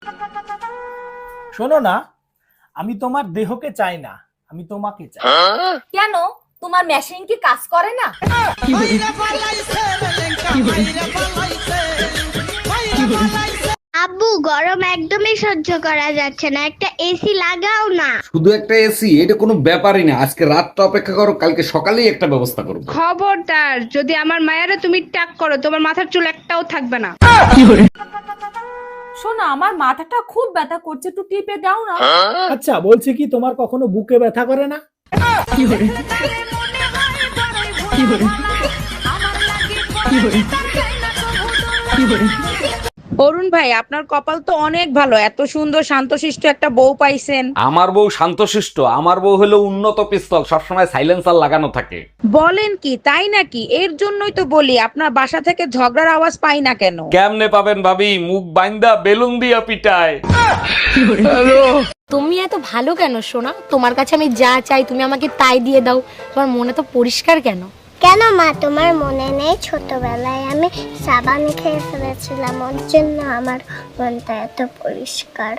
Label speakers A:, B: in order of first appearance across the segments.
A: শোনো না, আমি তোমার দেহকে চাই না, আমি তোমাকে চাই।
B: কেন, তোমার মেশিন কি কাজ করে না?
C: আব্বু, গরম একদমই সহ্য করা যাচ্ছে না, একটা এসি লাগাও না।
D: শুধু একটা এসি? এটা কোনো ব্যাপারই না, আজকে রাতটা অপেক্ষা করো, কালকে সকালেই একটা ব্যবস্থা করবো।
E: খবরদার, যদি আমার মায়েরা তুমি টাক করো, তোমার মাথার চুল একটাও থাকবে না।
B: শোনো, আমার মাথাটা খুব ব্যথা করছে, একটু টিপে দাও না।
A: আচ্ছা, বলছি কি তোমার কখনো বুকে ব্যথা করে না?
E: অরুণ ভাই, আপনার কপাল তো অনেক ভালো, এত সুন্দর শান্তশিষ্ট একটা বউ পাইছেন।
D: আমার বউ শান্তশিষ্ট? আমার বউ হলো উন্নত পিস্তল, সবসময় সাইলেন্সার লাগানো থাকে।
E: বলেন কি, তাই নাকি? এর জন্যই তো বলি আপনার বাসা থেকে ঝগড়ার আওয়াজ পাই না কেন।
D: কেমনে পাবেন ভাবি, মুখ বাইন্দা বেলুন দিয়া পিটায়।
F: তুমি এত ভালো কেন সোনা? তোমার কাছে আমি যা চাই তুমি আমাকে তাই দিয়ে দাও, তোমার মনে তো পরিষ্কার কেন?
C: কেন মা, তোমার মনে নেই ছোটবেলায় আমি সাবান খেয়ে ফেলেছিলাম, ওর জন্য আমার মনটা এত পরিষ্কার।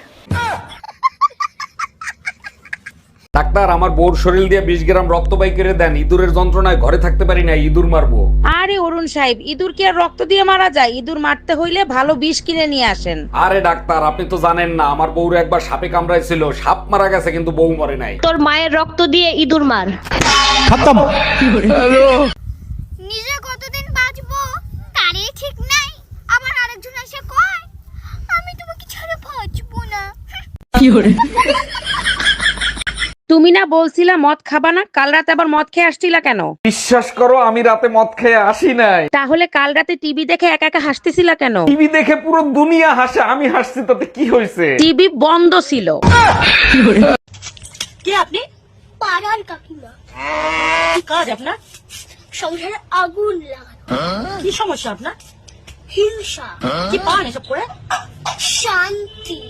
D: ডাক্তার, আমার বউর শরীর দিয়ে 20 গ্রাম রক্ত বাই করে দেন, ইঁদুরের যন্ত্রণায় ঘরে থাকতে পারি না, ইঁদুর মারবো।
E: আরে অরুণ সাহেব, ইঁদুর কি আর রক্ত দিয়ে মারা যায়? ইঁদুর মারতে হইলে ভালো বিষ কিনে নিয়ে আসেন।
D: আরে ডাক্তার, আপনি তো জানেন না, আমার বউর একবার সাপে কামড়াইছিল, সাপ মারা গেছে কিন্তু বউ মরে নাই।
F: তোর মায়ের রক্ত দিয়ে ইঁদুর মার।
C: নিজে কতদিন বাঁচবো তারই ঠিক নাই, আবার আরেকজন এসে কয় আমি তোমাকে ছাড়া বাঁচবো না।
E: তুমি না বলছিলা মদ খাবা না, কাল রাতে আবার মদ খেয়ে আসছিলা কেন?
D: বিশ্বাস করো, আমি রাতে মদ খেয়ে আসি নাই।
E: তাহলে কাল রাতে টিভি দেখে একা একা হাসতেছিলা কেন?
D: টিভি দেখে পুরো দুনিয়া হাসে, আমি হাসছি তাতে কি হয়েছে?
E: টিভি বন্ধ ছিল।
B: কে আপনি?
C: পাড়ার কাকিমা।
B: কি কাজ আপনার?
C: সংসারে আগুন লাগানো।
B: কি সমস্যা আপনার?
C: হিংসা।
B: কি পান এসব করে?
C: শান্তি।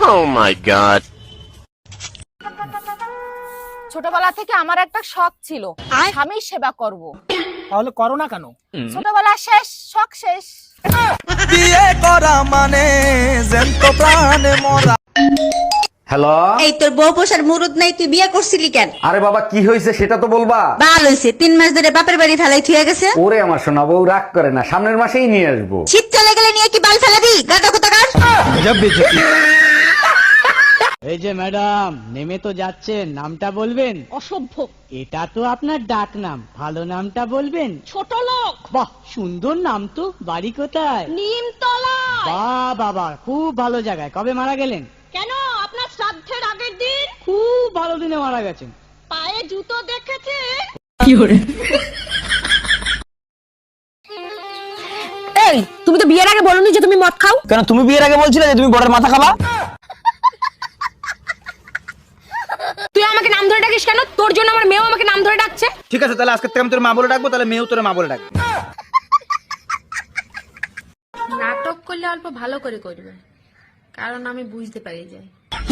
B: ছোটবেলা থেকে আমার একটা শখ ছিল, স্বামীর সেবা করব।
A: তাহলে করো না কেন?
B: ছোটবেলা শেষ, শখ শেষ।
G: বিয়ে করা মানে জ্যান্ত প্রাণে মরা।
D: হ্যালো।
H: এই তোর বউ পোষার মুরুদ নাই, তুই বিয়ে করছিলি কেন?
D: আরে বাবা, কি হয়েছে সেটা তো বলবা।
H: ভালো হয়েছে, 3 মাস ধরে বাপের বাড়ি ফেলাই থুয়ে গেছে।
D: ওরে আমার সোনা বউ, রাগ করে না, সামনের মাসেই নিয়ে আসবো।
H: শীত চলে গেলে নিয়ে কি বাল ফেলাবি? গাদা কোথাকার।
I: এই যে ম্যাডাম, নেমে তো যাচ্ছেন, নামটা বলবেন?
B: অসভ্য।
I: এটা তো আপনার ডাক নাম, ভালো নামটা বলবেন?
B: ছোট লোক।
I: বাহ, সুন্দর নাম তো। বাড়ি কোথায়?
B: নিমতলা।
I: বাহ বাবা, খুব ভালো জায়গায়। কবে মারা গেলেন?
B: কেন, আপনার শ্রাদ্ধের আগের দিন।
I: খুব ভালো দিনে মারা গেছেন।
B: পায়ে জুতো দেখেছে?
F: এই, তুমি তো বিয়ের আগে বলনি যে তুমি মদ খাও।
G: কেন, তুমি বিয়ের আগে বলছিলে যে তুমি বড়ের মাথা খাবা?
F: তুই আমাকে নাম ধরে ডাকিস কেন? তোর জন্য আমার মেয়েও আমাকে নাম ধরে ডাকছে।
G: ঠিক আছে, তাহলে আজকে থেকে আমি তোর মা বলে ডাকবো, তাহলে মেয়েও তোর মা বলে ডাকবে।
F: নাটক করলে অল্প ভালো করে করবে, কারণ আমি বুঝতে পারি যাই।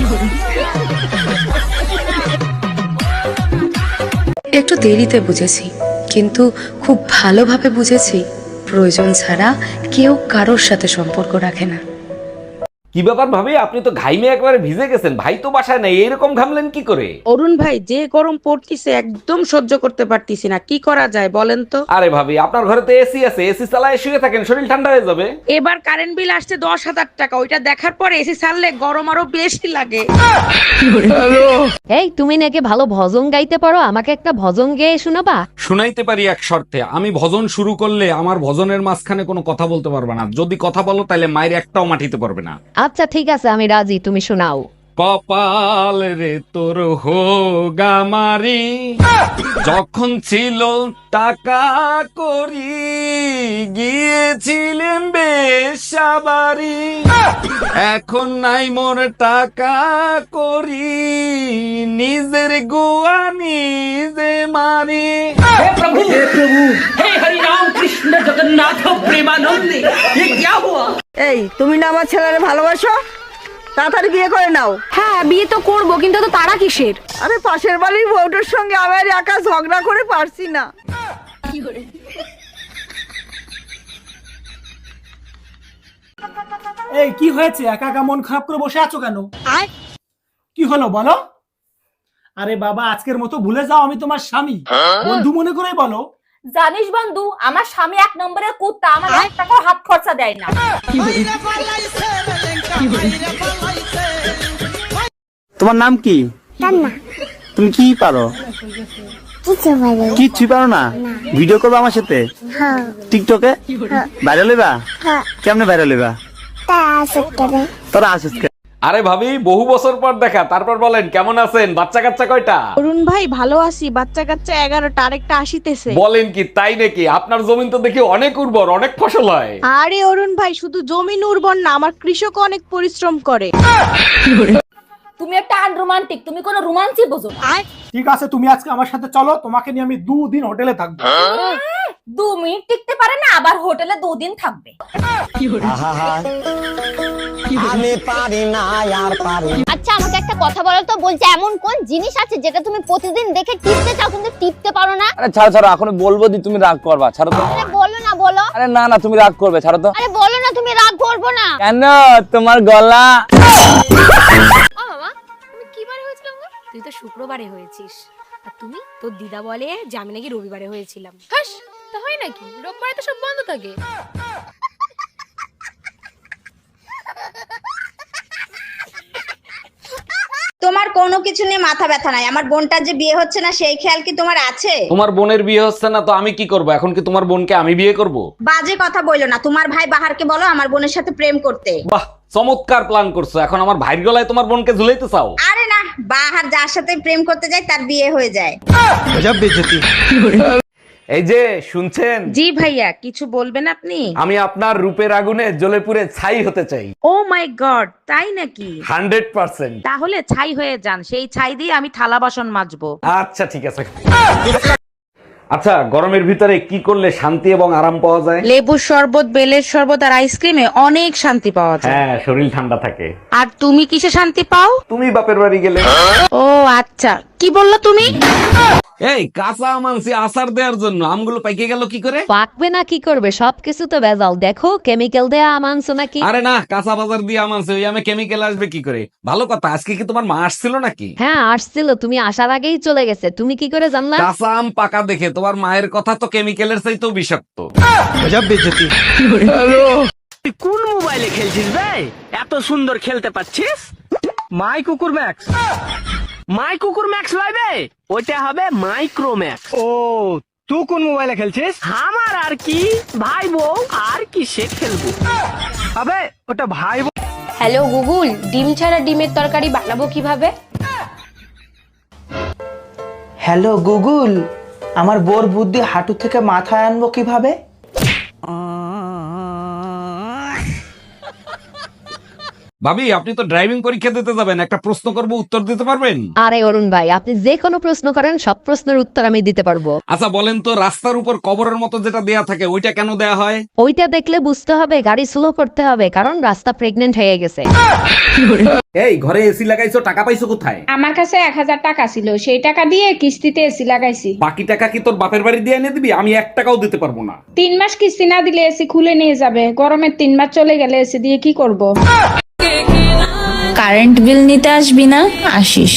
J: একটু দেরিতে বুঝেছি, কিন্তু খুব ভালোভাবে বুঝেছি প্রয়োজন ছাড়া কেউ কারোর সাথে সম্পর্ক রাখে না।
D: কি ব্যাপার ভাবি, আপনি তো ঘাইমে একবারে ভিজে গেছেন, ভাই তো বাসায় নাই, এরকম ঘামলেন কি করে?
E: অরুণ ভাই, যে গরম পড়তিছে একদম সহ্য করতে পারতিছি না, কি করা যায় বলেন তো?
D: আরে ভাবি, আপনার ঘরে তো এসি আছে, এসি চালায় শুয়ে থাকেন, শরীর ঠান্ডা হয়ে যাবে।
E: এবার কারেন্ট বিল আসছে 10,000 টাকা, ওইটা দেখার পরে এসি ছাড়লে গরম আরো বেশি লাগে।
F: এই, তুমি নাকি ভালো ভজন গাইতে পারো, আমাকে একটা ভজন গেয়ে শোনাবা?
D: শুনাইতে পারি এক শর্তে, আমি ভজন শুরু করলে আমার ভজনের মাঝখানে কোনো কথা বলতে পারবে না, যদি কথা বলো তাহলে মায়ের একটাও মাটিতে পারবে না।
F: আচ্ছা ঠিক আছে, আমি রাজি, তুমি শোনাও।
D: কপাল রে তোর হোগা মারি, যখন ছিল টাকা করি, গিয়েছিলেন বেশাবাড়ি, এখন নাই মোর টাকা করি, নিজের গোয়া নিজে মারি।
A: হে প্রভু, হে হরি রাম কৃষ্ণ জগন্নাথ প্রেমানন্দে, ये क्या हुआ?
H: এই, তুমি না আমার ছেলের ভালোবাসো, তাড়াতাড়ি বিয়ে করে নাও।
F: হ্যাঁ, বিয়ে তো করবো, কিন্তু তো তারা কিসের?
H: আরে পাশের বাড়ির বউটার সঙ্গে আমার একা ঝগড়া করে পারছি না।
K: এই কি হয়েছে, একা একা মন খারাপ করে বসে আছো কেন? কি হলো বলো? আরে বাবা, আজকের মতো ভুলে যাও আমি তোমার স্বামী, বন্ধু মনে করেই বলো।
B: জানিস বন্ধু, আমার স্বামী 1 নম্বরের কুত্তা, আমার 1 টাকাও হাত খরচা দেয় না।
G: তোমার নাম কি? তুমি কি পারো? কিচ্ছু পারো না? ভিডিও করবো আমার সাথে টিকটকে? ভাইরাল হইবা? কেমনে ভাইরাল হইবা? তোরা আসিস।
D: আরে ভাবি, বহু বছর পর দেখা, তারপর বলেন কেমন আছেন? বাচ্চা কাচ্চা কয়টা?
E: অরুণ ভাই ভালো আছি, বাচ্চা কাচ্চা 11টা, আরেকটা আসিতেছে।
D: বলেন কি, তাই নাকি? আপনার জমিন তো দেখি অনেক উর্বর, অনেক ফসল হয়।
E: আরে অরুণ ভাই, শুধু জমিন উর্বর না, আমার কৃষক অনেক পরিশ্রম করে।
B: তুমি একটা আনরোমান্টিক, তুমি কোনো রোমান্সই বোঝো না।
K: ঠিক আছে, তুমি আজকে আমার সাথে চলো, তোমাকে নিয়ে আমি 2 দিন হোটেলে থাকবো।
B: 2 মিনিট টিকতে পারে না, আবার হোটেলে 2 দিন থাকবে।
G: আমি পারি না আর পারি।
C: আচ্ছা আমাকে একটা কথা বলো তো, বলছে এমন কোন জিনিস আছে যেটা তুমি প্রতিদিন দেখে টিপতে চাও কিন্তু টিপতে পারো না?
G: আরে ছাড়ো ছাড়ো, এখন বলবো দি, তুমি রাগ করবা, ছাড়ো তো।
C: আরে বলো না, বলো।
G: আরে না না, তুমি রাগ করবে, ছাড়ো তো।
C: আরে বলো না, তুমি রাগ করবো না
G: কেন? তোমার গলা।
F: ও মামা, তুমি কি বারে হয়েছিলাম গো? তুই তো শুক্রবারে হয়েছিস, আর তুমি তোর দিদা বলে যে আমি নাকি রবিবারে হয়েছিলাম। হাস, তা হয় নাকি? রোববারে তো সব বন্ধ থাকে।
E: তোমার কোনো কিছু নিয়ে মাথা ব্যথা নাই, আমার বোনটার যে বিয়ে হচ্ছে না সেই খেয়াল কি তোমার আছে?
D: তোমার বোনের বিয়ে হচ্ছে না তো আমি কি করব? এখন কি তোমার বোনকে আমি বিয়ে করব?
E: বাজে কথা বইলো না, তোমার ভাই বাহারকে বলো আমার বোনের সাথে প্রেম করতে।
D: বাহ, চমৎকার প্ল্যান করছো। এখন আমার ভাইয়ের গলায় তোমার বোনকে ঝুলাইতে চাও?
E: আরে না, বাহার যার সাথে প্রেম করতে যায় তার বিয়ে হয়ে যায়।
D: এই যে শুনছেন?
E: জি ভাইয়া, কিছু বলবেন আপনি?
D: আমি আপনার রূপের আগুনে জ্বলে পুড়ে ছাই হতে চাই।
E: ও মাই গড, তাই নাকি?
D: 100%।
E: তাহলে ছাই হয়ে যান, সেই ছাই দিয়ে আমি থালা বাসন মাজবো।
D: আচ্ছা ঠিক আছে। আচ্ছা, গরমের ভিতরে কি করলে শান্তি এবং আরাম পাওয়া যায়?
E: লেবুর শরবত, বেলের শরবত আর আইসক্রিমে অনেক শান্তি পাওয়া যায়।
D: হ্যাঁ, শরীর ঠান্ডা থাকে।
E: আর তুমি কিসে শান্তি পাও?
D: তুমি বাপের বাড়ি গেলে।
E: ও আচ্ছা, কি বললো তুমি?
D: এই কাঁচা আম আনছি আচার দেওয়ার জন্য, আমগুলো পাইকে গেল কি করে?
L: পাকবে না কি করবে, সবকিছু তো ভেজাল। দেখো কেমিক্যাল দেয়া আম আনছো নাকি?
D: আরে না, কাঁচা বাজার দিয়ে আম আনছে, ওই আমে কেমিক্যাল আসবে কি করে? ভালো কথা, আজকে কি তোমার মা আসছিল নাকি?
L: হ্যাঁ আসছিল, তুমি আসার আগেই চলে গেছে। তুমি কি করে জানলা?
D: কাঁচা আম পাকা দেখে তোমার মায়ের কথা তো কেমিক্যালের চাইতেও বিষাক্ত।
G: তুই কোন মোবাইলে খেলছিস বে? এত সুন্দর খেলতে পারছিস? মাই কুকুর ম্যাক্স। মাই কুকুর ম্যাক্স লাইবে, ওইটা হবে মাইক্রো ম্যাক্স। ও, তুই কোন মোবাইলে খেলছিস? আমার আর কি ভাই বউ আর কি সে খেলবো। আবে ওটা ভাই বউ।
F: হ্যালো গুগল, ডিম ছাড়া ডিমের তরকারি বানাবো কিভাবে?
G: হ্যালো গুগল, আমার বোর বুদ্ধি হাঁটু থেকে মাথায় আনবো কিভাবে?
D: ভাবি, আপনি তো ড্রাইভিং পরীক্ষা দিতে যাবেন, একটা প্রশ্ন করব, উত্তর দিতে পারবেন?
L: আরে অরুণ ভাই, আপনি যে কোনো প্রশ্ন করেন, সব প্রশ্নের উত্তর আমি দিতে পারবো।
D: আচ্ছা বলেন তো, রাস্তার উপর কবরের মতো যেটা দেয়া থাকে ওইটা কেন দেয়া হয়?
L: ওইটা দেখলে বুঝতে হবে গাড়ি স্লো করতে হবে, কারণ রাস্তা প্রেগনেন্ট হয়ে গেছে।
D: এই ঘরে এসি লাগাইছো, টাকা পাইছো কোথায়?
H: আমার কাছে 1000 টাকা ছিল, সেই টাকা দিয়ে কিস্তিতে এসি লাগাইছি।
D: বাকি টাকা কি তোর বাপের বাড়ি দিয়ে এনে দিবি? আমি 1 টাকাও দিতে পারবো না।
H: 3 মাস কিস্তি না দিলে এসি খুলে নিয়ে যাবে, গরমের 3 মাস চলে গেলে এসি দিয়ে কি করব?
J: কারেন্ট বিল নিতে আসবি না? আসিস।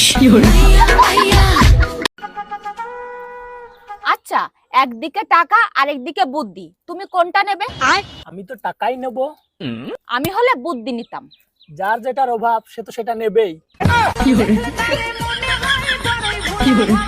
B: আচ্ছা, একদিকে টাকা আর একদিকে বুদ্ধি, তুমি কোনটা নেবে?
K: আমি তো টাকাই নেব।
B: আমি হলে বুদ্ধি নিতাম।
K: যার যেটার অভাব সে তো সেটা নেবেই।